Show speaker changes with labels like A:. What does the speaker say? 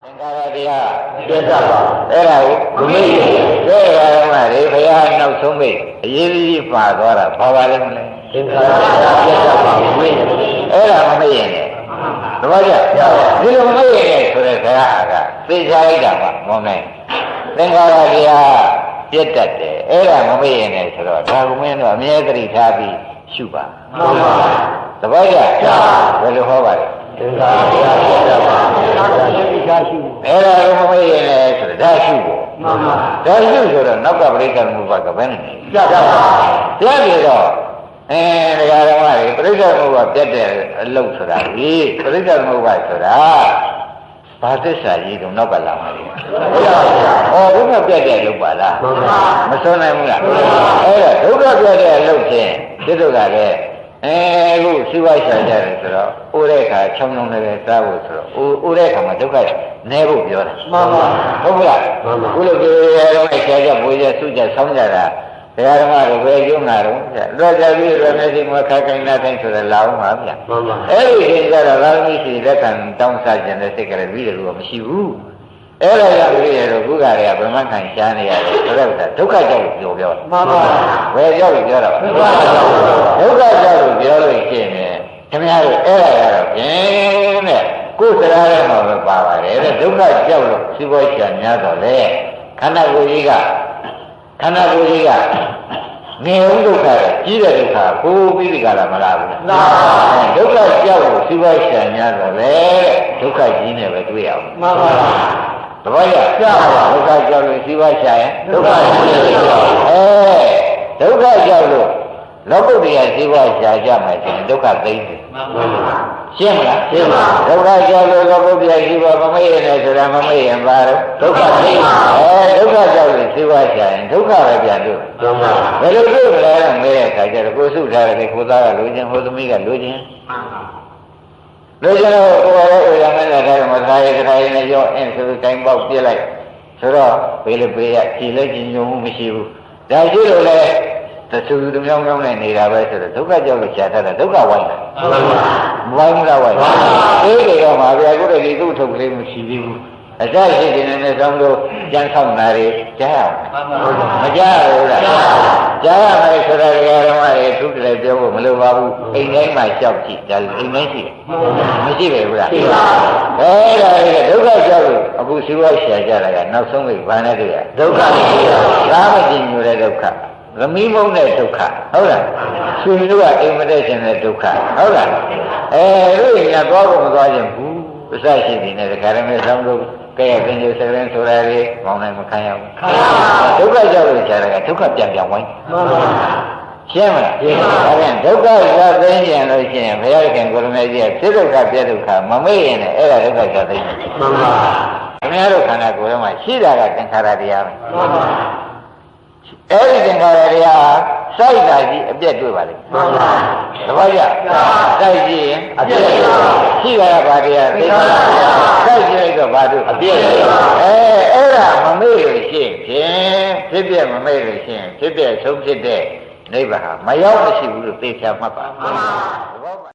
A: င်္ခါရတရားပြတ်သွားပါအဲ့ဒါကိုမမေ့တဲ့ကရမတွေဘုရားနောက်ဆုံးမိတ်အရေးကြီးပါသွားတာဘာပါလဲမလဲသင်္ခါရတရားပြတ်သွားပါမမေ့အဲ့ဒါမမေ့ရင်လည်းသဘောကျဒီလိုမမေ့ရင်ဆိုတဲ့ခါကသိချလိုက်တာမှမောင်းနိုင်သင်္ခါရတရားပြတ်တတ်တယ်အဲ့ဒါမမေ့ရင်လည်းဆိုတော့ဒါကမင်းတို့အမြဲတည်းထားပြီးရှုပါမှန်ပါသဘောကျဘယ်လိုဟောပါလဲသင်္ခါရတရားပြတ်တတ်ပါအဲ့ဒါကိုမမေ့ရင်လည်းဆိုတော့ဒါရှုဖို့မှန်ပါဒါရှုဆိုတော့နောက်ကပရိက္ခဏမှုဘကဘယ်နဲ့ပြတ်ပါပြတ်ပြီးတော့တရားဓမ္မတွေပရိက္ခဏမှုဘပြတ်တဲ့အလုပ်ဆိုတာဒီပရိက္ခဏမှုဘဆိုတာဘာသစ္စာကြီးတုံနောက်ကလာမှာလေဟောဒုက္ခပြတ်တဲ့အလုပ်ပါလားမစွန့်နိုင်ဘူးလားအဲ့ဒါဒုက္ခပြတ်တဲ့အလုပ်ဖြင့်ဒီတို့ကလည်းအခုစီးပွားရှာကြတယ်ဆိုတော့ဥတဲ့ခါချောင်းလုံးလည်းစားဖို့ဆိုတော့ဥတဲ့ခါမှာဒုက္ခနဲဖို့ပြောတာမှန်ပါဟုတ်ကလားခုလိုပြောရတော့ရှာကြပွေကြစုကြဆောင်းကြတာတရားဓမ္မတွေပဲကျုံလာတော့လွတ်ကြပြီးရမယ်စီမခခိုင်းနာတိုင်းဆိုတော့လာအောင်ပါဗျာမှန်ပါအဲ့ဒီအချိန်ကျတော့သာသမီရှိလက်ခံတောင်းစားခြင်းတဲ့စိတ်ကလေးပြီးတယ်လို့မရှိဘူးအဲ့ဒါကြောင့်ပြီးရတော့ခုကတွေကဗြဟ္မခံရှားနေရတယ်ဆိုတော့ဒုက္ခကြောင့်ပြောမှန်ပါဘယ်ကြောင့်ပြောတာဒုက္ခကြောင့်ပြောလို့ရှိရင်ခင်ဗျားတို့အဲ့ဒါကတော့ပြင်းတဲ့ကိုယ်စရာထဲမှာပဲပါပါတယ်တဲ့ဒုက္ခကြောင့်လို့စီးပွားရှားများတော့လေခန္ဓာကိုယ်ကြီးကငြိမ်ဒုက္ခကြီးတဲ့ဒုက္ခကိုပြီးဒီကလာမလားဘူးလားဒုက္ခကြောက်လို့စီးပွားရှာများတော့လေဒုက္ခကြီးနဲ့ပဲတွေ့ရအောင်မှန်ပါသဘောကျကြောက်ဒုက္ခကြောက်လို့စီးပွားရှာရင်ဒုက္ခကြီးတယ်ဒုက္ခကြောက်လို့လောကုတ္တရာစီးပွားရှာကြမှာဆိုရင်ဒုက္ခသိမ်းတယ်မှန်ပါရှင်းမလားရှင်းပါဒုက္ခကြောက်လို့လောကုတ္တရာစီးပွားမမေ့ရနဲ့ဆိုတာမမေ့ရင်ပါတော့ဒုက္ခသိမ်းဒုက္ခကြောက်လို့စီးပွားရှာရင်ဒုက္ခပဲပြန်တွေ့မှန်ပါဘယ်လိုတွေ့မလဲတော့မေးတဲ့အခါကျတော့ကိုစုထားတယ်ကိုသားကလိုချင်ဟိုသမီးကလိုချင်မှန်ပါလိုချင်တော့ကိုယ်ရောရမယ်တဲ့မသားရဲ့ခါရင်ရောအင်းဆိုတိုင်းပေါက်ပြစ်လိုက်ဆိုတော့ဘေးလေဘေးရကြည်လက်ကြည်ညိုမှုမရှိဘူးဒါရှိလို့လေတဆူတမြောင်းမြောင်းနဲ့နေတာပဲဆိုတော့ဒုက္ခကြောင့်လို့ရှားထားတာဒုက္ခဝိုင်းတာမဝိုင်းဘူးလားဝိုင်းအေးတယ်တော့မှာဗျာကိုယ်တည်းဒီသူ့ထုတ်ကလေးမရှိသေးဘူးအစရှိတဲ့နဲ့ဆောင်းလို့ကြမ်းဆောင်တာတွေကြားရမကြားဘူးလားကြားရမယ်ဆိုတော့ဓမ္မတွေသူ့တည်းပြောဖို့မလိုပါဘူးအိမ်တိုင်းမှာကြောက်ကြည့်ဒါအိမ်တိုင်းရှိတယ်မရှိပဲဘူးလားရှိပါဘူးဒါဒုက္ခကြောက်လို့အခုစီးပွားရှာကြတာကနောက်ဆုံးပဲဘာနဲ့တွေ့ရဒုက္ခဒါမကြည့်ညိုတဲ့ဒုက္ခသမီးမုန်းတဲ့ဒုက္ခဟုတ်လားဆွေတို့ကအိမ်မတက်ခြင်းတဲ့ဒုက္ခဟုတ်လားတို့ရသွားဖို့မသွားခြင်းဘူးအစရှိနေတယ်ဒါကြမ်းဆောင်းလို့ကဲပင်ကျစကရင်ဆိုတာလေမောင်းနိုင်မခံရဘူးဒုက္ခကြောင့်လို့ကြားတယ်ကဒုက္ခပြန်ဝိုင်းမှန်ပါရှင်းမလားရှင်းပါဒါပြန်ဒုက္ခရသိရင်လို့ရှိရင်ဘုရားခင်ကိုရမေကြီးကဖြစ်ဒုက္ခပြဒုက္ခမမေ့ရင်လည်းအဲ့ဒါဒုက္ခရသိမှန်ပါခင်ဗျားတို့ခန္ဓာကိုယ်ထဲမှာရှိတာကသင်္ခါရတရားပဲမှန်ပါအဲ့ဒီသင်္ခါရတရားစိုက်တာကြီးအပြက်တွေ့ပါလိမ့်မှန်ပါသဘောကျစိုက်ကြည့်ရင်အပြက်ရှိတာကဘာတရားသင်္ခါရစိုက်ကြည့်လိုက်တော့ဘာတွေ့အပြက်အဲ့ဒါမမေ့လို့ရှိရင်ဖြစ်ပြမမေ့လို့ရှိရင်ဖြစ်ပြဆုံးဖြစ်တဲ့နိဗ္ဗာန်မရောက်မရှိဘူးလို့သိချမှတ်ပါမှန်ပါ